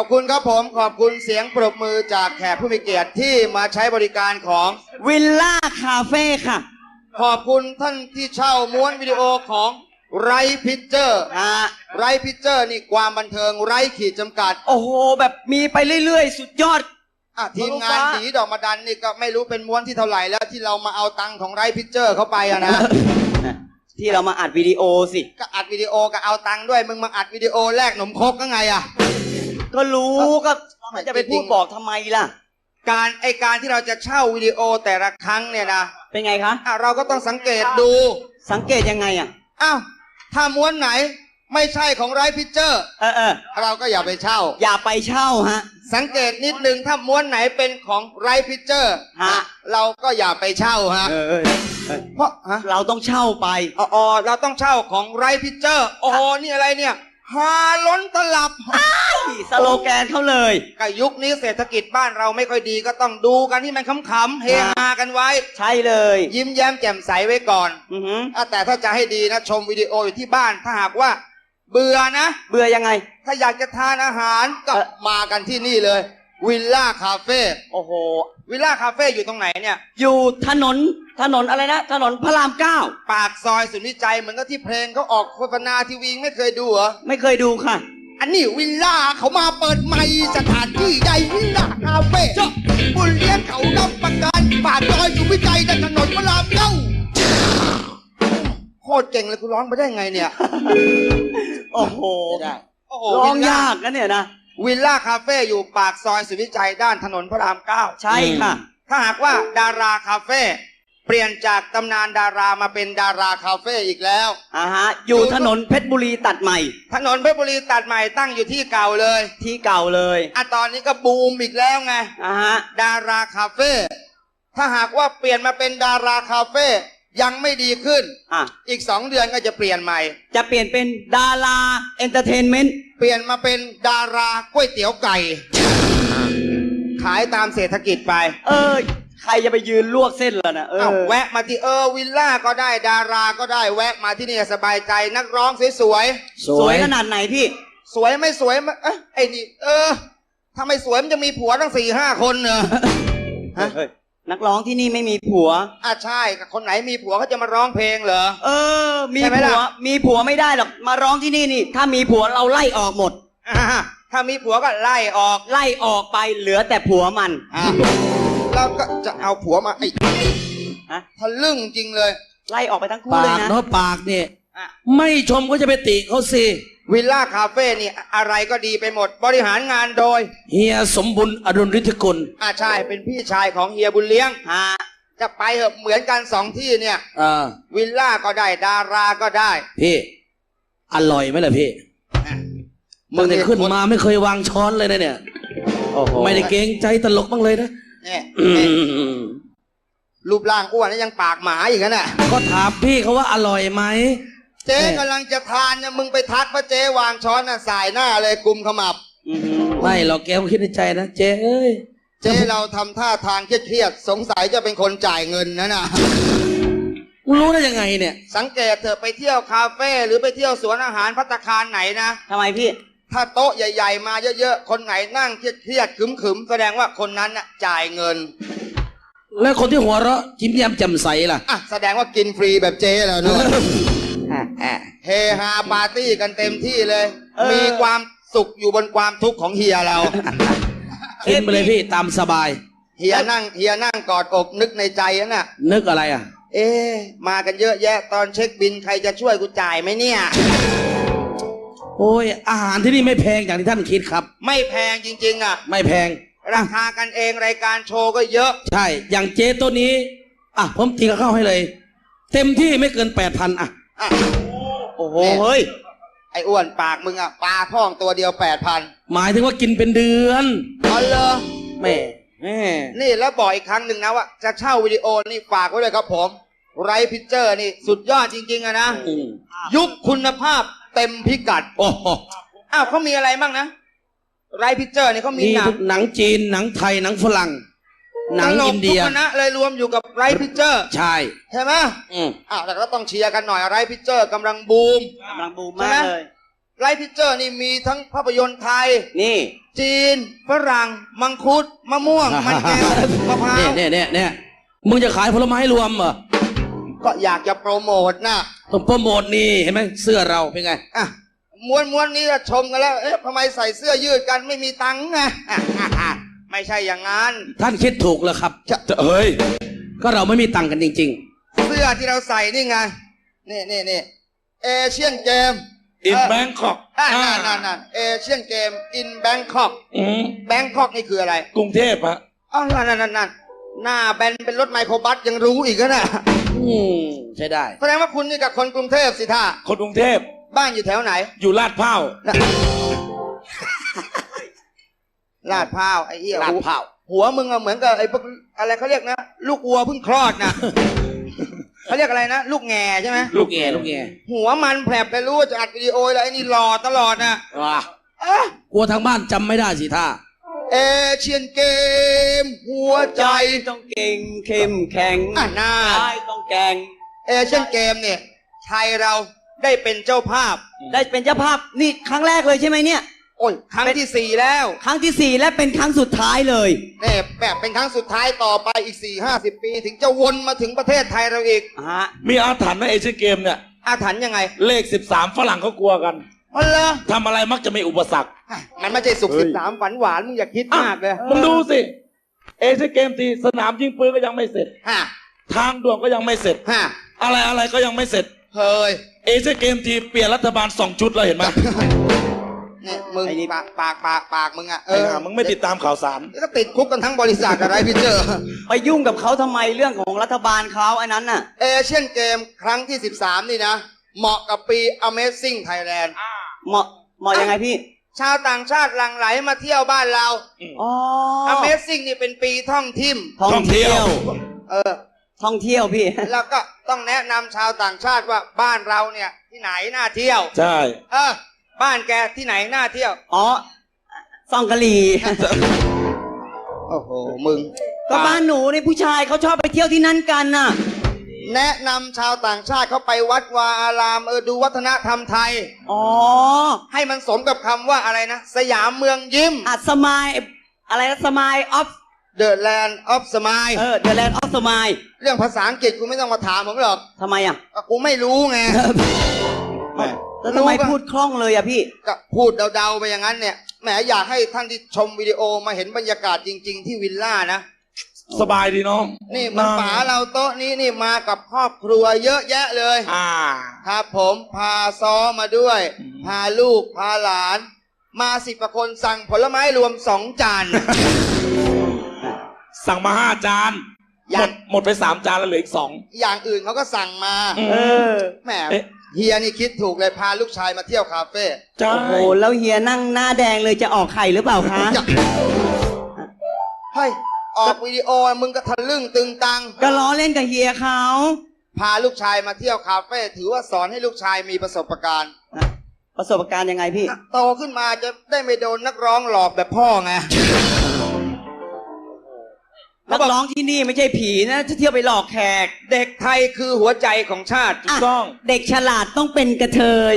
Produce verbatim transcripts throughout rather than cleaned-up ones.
อบคุณครับผมขอบคุณเสียงปรบมือจากแขกผู้มีเกียรติที่มาใช้บริการของวิลล่าคาเฟ่ค่ะขอบคุณท่านที่เช่าม้วนวิดีโอของไรพิเจอร์ไรพิเจอร์นี่ความบันเทิงไร้ขีดจำกัดโอ้โหแบบมีไปเรื่อยๆสุดยอดอ่ะทีมงานดีดอกมาดันนี่ก็ไม่รู้เป็นม้วนที่เท่าไหร่แล้วที่เรามาเอาตังค์ของไรพิเจอร์เข้าไปอะนะที่เรามาอัดวิดีโอสิก็อัดวิดีโอก็เอาตังค์ด้วยมึงมาอัดวิดีโอแลกหนมครกก็ไงอะก็รู้ก็มันจะไปพูดบอกทำไมล่ะการไอการที่เราจะเช่าวิดีโอแต่ละครั้งเนี่ยนะเป็นไงคะอ่ะเราก็ต้องสังเกตดูสังเกตยังไงอ่ะอ้าวถ้าม้วนไหนไม่ใช่ของไรพิเจอร์เออเออเราก็อย่าไปเช่าอย่าไปเช่าฮะสังเกตนิดนึงถ้าม้วนไหนเป็นของไรพิเจอร์ฮะเราก็อย่าไปเช่าฮะเออเพราะฮะเราต้องเช่าไปอ๋อเราต้องเช่าของไรพิเจอร์โอ้โหนี่อะไรเนี่ยฮาล้นตลับสโลแกนเขาเลยก็ยุคนี้เศรษฐกิจบ้านเราไม่ค่อยดีก็ต้องดูกันที่มันขำๆเฮฮากันไว้ใช่เลยยิ้มแย้มแจ่มใสไว้ก่อนอือหือแต่ถ้าจะให้ดีนะชมวิดีโออยู่ที่บ้านถ้าหากว่าเบื่อนะเบื่อยังไงถ้าอยากจะทานอาหารก็มากันที่นี่เลยวิลล่าคาเฟ่โอ้โหวิลล่าคาเฟ่อยู่ตรงไหนเนี่ยอยู่ถนนถนนอะไรนะถนนพระรามเก้าปากซอยศูนย์วิจัยเหมือนกับที่เพลงเขาออกโฆษณาทีวีไม่เคยดูเหรอไม่เคยดูค่ะอันนี้วิลล่าเขามาเปิดใหม่สถานที่ใหญ่วิลล่าคาเฟ่เจ้าบุญเลี้ยงเขารับประกันปากซอยศูนย์วิจัยถนนพระรามเก้าโคตรเก่งเลยคุณร้องไปได้ไงเนี่ยโอ้โหร้องยากนะเนี่ยนะวิลล่าคาเฟ่อยู่ปากซอยสุวิจัยด้านถนนพระรามเก้าใช่ค่ะถ้าหากว่าดาราคาเฟ่เปลี่ยนจากตำนานดารามาเป็นดาราคาเฟ่อีกแล้วอ่าฮะอยู่ถนนเพชรบุรีตัดใหม่ถนนเพชรบุรีตัดใหม่ตั้งอยู่ที่เก่าเลยที่เก่าเลยอ่ะตอนนี้ก็บูมอีกแล้วไงอ่าฮะดาราคาเฟ่ถ้าหากว่าเปลี่ยนมาเป็นดาราคาเฟ่ยังไม่ดีขึ้นอ่ะอีกสองเดือนก็จะเปลี่ยนใหม่จะเปลี่ยนเป็นดาราเอนเตอร์เทนเมนต์เปลี่ยนมาเป็นดาราก๋วยเตี๋ยวไก่ขายตามเศรษฐกิจไปเออใครจะไปยืนลวกเส้นล่ะนะเออแวะมาที่เออวิลล่าก็ได้ดาราก็ได้แวะมาที่นี่สบายใจนักร้องสวยสวยสวยขนาดไหนพี่สวยไม่สวยเอ้ไอ้นี่เออถ้าไม่สวยมันจะมีผัวตั้งสี่ห้าคนเนอะฮะนักร้องที่นี่ไม่มีผัวอ่ะใช่คนไหนมีผัวเขาจะมาร้องเพลงเหรอเออมีผัวมีผัวไม่ได้หรอกมาร้องที่นี่นี่ถ้ามีผัวเราไล่ออกหมดถ้ามีผัวก็ไล่ออกไล่ออกไปเหลือแต่ผัวมันเราก็จะเอาผัวมาไอ้ฮะทะลึ่งจริงเลยไล่ออกไปทั้งคู่เลยนะปากเนาะปากเนี่ยไม่ชมก็จะไปติเขาสิวิลล่าคาเฟ่นี่อะไรก็ดีไปหมดบริหารงานโดยเฮียสมบุญอดุลฤทธิกุลอ่าใช่เป็นพี่ชายของเฮียบุญเลี้ยงฮะจะไปเหอะเหมือนกันสองที่เนี่ยอ่าวิลล่าก็ได้ดาราก็ได้พี่อร่อยไหมล่ะพี่มึงเนี่ยขึ้นมาไม่เคยวางช้อนเลยนะเนี่ยโอ้โหไม่ได้เกรงใจตลกบ้างเลยนะเนี่ยรูปร่างอ้วนแล้วยังปากหมาอีกนะก็ถามพี่เขาว่าอร่อยไหมเจ๊กำลังจะทานเนี่ยมึงไปทักพระเจ๊วางช้อนน่ะสายหน้าเลยกุมขมับไม่หรอกแกคิดในใจนะเจ๊เอ้ยเจ๊เราทำท่าทางเครียดๆสงสัยจะเป็นคนจ่ายเงินนะน่ะรู้ได้ยังไงเนี่ยสังเกตเถอะไปเที่ยวคาเฟ่หรือไปเที่ยวสวนอาหารภัตตาคารไหนนะทำไมพี่ถ้าโต๊ะใหญ่ๆมาเยอะๆคนไหนนั่งเครียดๆขึมๆแสดงว่าคนนั้นน่ะจ่ายเงินแล้วคนที่หัวเราะยิ้มแย้มแจ่มใสล่ะอ่ะแสดงว่ากินฟรีแบบเจ๊แล้วเนอะเฮฮาปาร์ตี้กันเต็มที่เลยมีความสุขอยู่บนความทุกข์ของเฮียเรากินไปเลยพี่ตามสบายเฮียนั่งเฮียนั่งกอดอกนึกในใจน่ะนึกอะไรอ่ะเอ๊มากันเยอะแยะตอนเช็คบินใครจะช่วยกูจ่ายไหมเนี่ยโอ้ยอาหารที่นี่ไม่แพงอย่างที่ท่านคิดครับไม่แพงจริงๆอ่ะไม่แพงราคากันเองรายการโชว์ก็เยอะใช่อย่างเจ๊ตัวนี้อ่ะผมตีกับข้าวให้เลยเต็มที่ไม่เกินแปดพันอ่ะโอ้โหเฮ้ยไอ้อ้วนปากมึงอ่ะปลาพ่องตัวเดียวแปดพันหมายถึงว่ากินเป็นเดือนอ๋อเหรอแม่แม่นี่แล้วบอกอีกครั้งหนึ่งนะว่าจะเช่าวิดีโอนี่ฝากไว้เลยครับผมไรพิเจอร์นี่สุดยอดจริงๆอะนะยุคคุณภาพเต็มพิกัดโอ้โหอ้าวเขามีอะไรบ้างนะไรพิเจอร์นี่เขามีหนังหนังจีนหนังไทยหนังฝรั่งหนังอินเดียทุกคณะเลยรวมอยู่กับไรพิเจอร์ใช่ใช่ไหมอืมอ้าวแต่ก็ต้องเชียร์กันหน่อยไรพิเจอร์กำลังบูมกำลังบูมมากเลยไลฟ์พิเจอร์นี่มีทั้งภาพยนตร์ไทยนี่จีน ฝรั่ง มังคุด มะม่วง มันแก้ว มะพร้าวเนี่ยเนี่ยเนี่ยมึงจะขายผลไม้รวมเหรอก็อยากจะโปรโมทนะต้องโปรโมทนี่เห็นไหมเสื้อเราเป็นไงอ่ะม้วนม้วนนี้จะชมกันแล้ว เอ๊ะทำไมใส่เสื้อยืดกันไม่มีตังค์ไงอ่ะอ่ะอ่ะไม่ใช่อย่างนั้นท่านคิดถูกแล้วครับจะเฮ้ย ก็เราไม่มีตังค์กันจริงเสื้อที่เราใส่นี่ไง นี่นี่นี่เอเชียนเกม in Bangkok อ่านั่นนั่นนั่นเอเชียนเกม in Bangkok อืม Bangkok นี่คืออะไรกรุงเทพฮะอ๋อนั่นนั่นนั่นนั่นหน้าแบนเป็นรถไมโครบัสยังรู้อีกนะๆ อืมใช่ได้แสดงว่าคุณนี่กับคนกรุงเทพสิท่าคนกรุงเทพบ้านอยู่แถวไหนอยู่ลาดพร้าวน่ะลาดพร้าวไอ้เหี้ยลาดพร้าวหัวมึงอะเหมือนกับไอ้พวกอะไรเขาเรียกนะ ลูกวัวเพิ่งคลอดนะ เขาเรียกอะไรนะ ลูกแง่ใช่ไหมลูกแง่ลูกแง่หัวมันแผลบไปรู้ว่าจะอัดวิดีโอแล้วไอ้นี่หล่อตลอดนะว้าเอ๊ะกลัวทางบ้านจำไม่ได้สิท่าเอเชียนเกม หัวใจใจต้องเก่งเข้มแข็งอ่ะน่าใจต้องแกร่งเอเชียนเกมเนี่ยไทยเราได้เป็นเจ้าภาพได้เป็นเจ้าภาพนี่ครั้งแรกเลยใช่ไหมเนี่ยโอ้ยครั้งที่สี่แล้วครั้งที่สี่และเป็นครั้งสุดท้ายเลยเนี่ยแบบเป็นครั้งสุดท้ายต่อไปอีกสี่ห้าสิบปี ถึงจะวนมาถึงประเทศไทยเราอีกฮะมีอาถรรพ์นะเอเชียนเกมเนี่ยอาถรรพ์ยังไงเลขสิบสามฝรั่งเขากลัวกันอ๋อเหรอทำอะไรมักจะมีอุปสรรคมันไม่ใช่สุขเฮ้สิยบสามฝันหวานมึงอย่าคิดมากเลยมึงดูสิ เอเชียนเกมทีสนามยิงปืนก็ยังไม่เสร็จฮะทางด่วนก็ยังไม่เสร็จฮะอะไรอะไรก็ยังไม่เสร็จเฮ้ยเอเชียนเกมทีเปลี่ยนรัฐบาลสองชุดแล้วเห็นไหมเนี่ยมึงไอ้นี่ปากปากปากปากมึงอะเอไอ้อห่ามึงไม่ติดตามข่าวสารก็ติดคุกกันทั้งบริษัทอะไรพี่เจอไปยุ่งกับเขาทำไมเรื่องของรัฐบาลเขาอันนั้นน่ะเอเชียนเกมครั้งที่สิบสามนี่นะ เหมาะกับปี Amazing Thailand เหมาะเหมาะยังไงพี่ชาวต่างชาติหลั่งไหลมาเที่ยวบ้านเราอ๋อ Amazing นี่เป็นปีท่องทิมท่องเที่ยวเออท่องเที่ยวพี่แล้วก็ต้องแนะนำชาวต่างชาติว่าบ้านเราเนี่ยที่ไหนน่าเที่ยวใช่เออ บ้านแกที่ไหนน่าเที่ยวอ๋อซองกะหรี่โอ้โห มึงก็บ้านหนูนี่ผู้ชายเขาชอบไปเที่ยวที่นั่นกันน่ะแนะนำชาวต่างชาติเข้าไปวัดวาอารามเออดูวัฒนธรรมไทยอ๋อให้มันสมกับคำว่าอะไรนะ สยามเมืองยิ้มอัดสมายอะไรนะสมายออฟ The Land of Smile เออเดอะแลนด์ออฟสมายเรื่องภาษาอังกฤษกูไม่ต้องมาถามผมหรอกทำไมอ่ะก็กูไม่รู้ไงแล้วทำไมพูดคล่องเลยอ่ะพี่ก็พูดเดาๆไปอย่างนั้นเนี่ย แหมอยากให้ท่านที่ชมวิดีโอมาเห็นบรรยากาศจริง ๆ ที่วิลล่านะสบายดีเนาะนี่มันป๋าเราโต๊ะนี้นี่มากับครอบครัวเยอะแยะเลยอ่าครับผมพาซ้อมาด้วยอืมพาลูกพาหลาน มาสิบกว่าคนสั่งผลไม้รวมสองจานสั่งมาห้าจานยัหมงดหมดไปสามจานแล้วเหลืออีกสองอย่างอื่นเขาก็สั่งมาอืมเออแหมเอ๊ะเฮียนี่คิดถูกเลยพาลูกชายมาเที่ยวคาเฟ่ใช่โอ้โห แล้วเฮียนั่งหน้าแดงเลยจะออกไข่หรือเปล่าคะจะเฮ้ยออกวิดีโอมึงก็ทะลึ่งตึงตังก็ล้อเล่นกับเฮียเขาพาลูกชายมาเที่ยวคาเฟ่ถือว่าสอนให้ลูกชายมีประสบการณ์ประสบการณ์ยังไงพี่โตขึ้นมาจะได้ไม่โดนนักร้องหลอกแบบพ่อไงนักร้องที่นี่ไม่ใช่ผีนะจะเที่ยวไปหลอกแขกเด็กไทยคือหัวใจของชาติถูกต้องเด็กฉลาดต้องเป็นกระเทย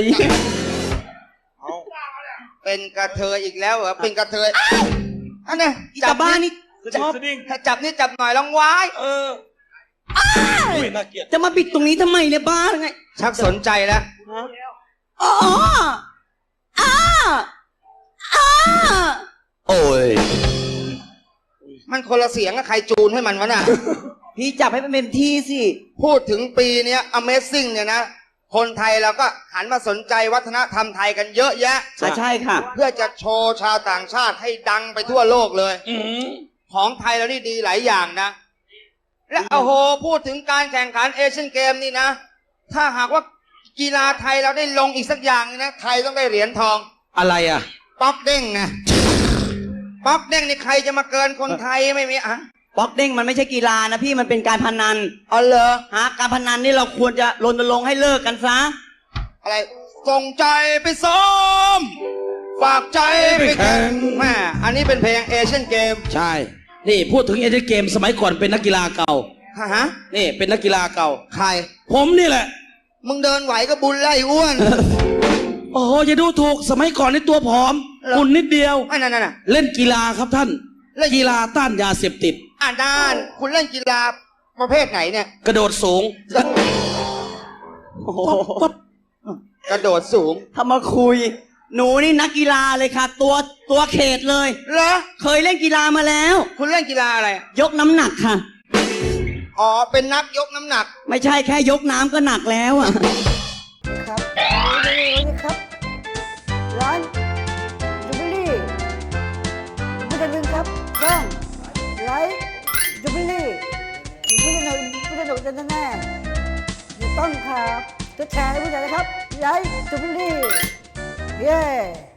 เป็นกระเทยอีกแล้วเหรอเป็นกระเทยอันนี้อีตาบ้านี่สชดิ้งอบสดิ้งถ้าจับนี่จับหน่อยลองไว้เอออุ้ยน่าเกลียดจะมาปิดตรงนี้ทำไมเนี่ยบ้าไงชักสนใจแล้วอ๋ออ้าอ้าโอ้ยมันคนละเสียงกับใครจูนให้มันวะน่ะพี่จับให้มันเป็นที่สิพูดถึงปีเนี้ย Amazing เนี่ยนะ คนไทยเราก็หันมาสนใจวัฒนธรรมไทยกันเยอะแยะอ่ะใช่ค่ะเพื่อจะโชว์ชาวต่างชาติให้ดังไปทั่วโลกเลยอืมของไทยเรานี่ดีหลายอย่างนะ และโอ้โห พูดถึงการแข่งขันเอเชียนเกมนี่นะ ถ้าหากว่ากีฬาไทยเราได้ลงอีกสักอย่างนะ ไทยต้องได้เหรียญทองอะไรอ่ะป๊อกเด้งไงป๊อกเด้งนี่ใครจะมาเกินคนไทยไม่มีอ่ะบ็อกเด้งมันไม่ใช่กีฬานะพี่มันเป็นการพนันอ๋อเหรอฮะการพนันนี่เราควรจะรณรงค์ให้เลิกกันซะอะไรส่งใจไปซ้อม ฝากใจไปแข่งแม่อันนี้เป็นเพลงเอเชียนเกมใช่ นี่พูดถึงเอเชียนเกมสมัยก่อนเป็นนักกีฬาเก่าฮะฮะนี่เป็นนักกีฬาเก่าใครผมนี่แหละมึงเดินไหวก็บุญไล่อ้วนโโอ้โหอย่าดูถูกสมัยก่อนในตัวผอมหุ่นนิดเดียวไอ้นั่นน่ะเล่นกีฬาครับท่านเล่นกีฬาต้านยาเสพติดอ่านด้าน คุณเล่นกีฬาประเภทไหนเนี่ยกระโดดสูงโอ้โหปั๊บกระโดดสูงถ้ามาคุย หนูนี่นักกีฬาเลยค่ะ ตัวตัวเขตเลยเหรอเคยเล่นกีฬามาแล้วคุณเล่นกีฬาอะไรยกน้ำหนักค่ะอ๋อ เป็นนักยกน้ำหนักไม่ใช่แค่ยกน้ำก็หนักแล้วอ่ะครับวันนี้ครับ ร้านจูบิลี่ไม่ได้ลืมครับต้องไลฟ์จูบิลี่อยู่ผู้สนุกผู้สนุกแน่ๆอยู่ต้องครับจะแชร์ให้ผู้ใหญ่นะครับไลฟ์จูบิลี่เย้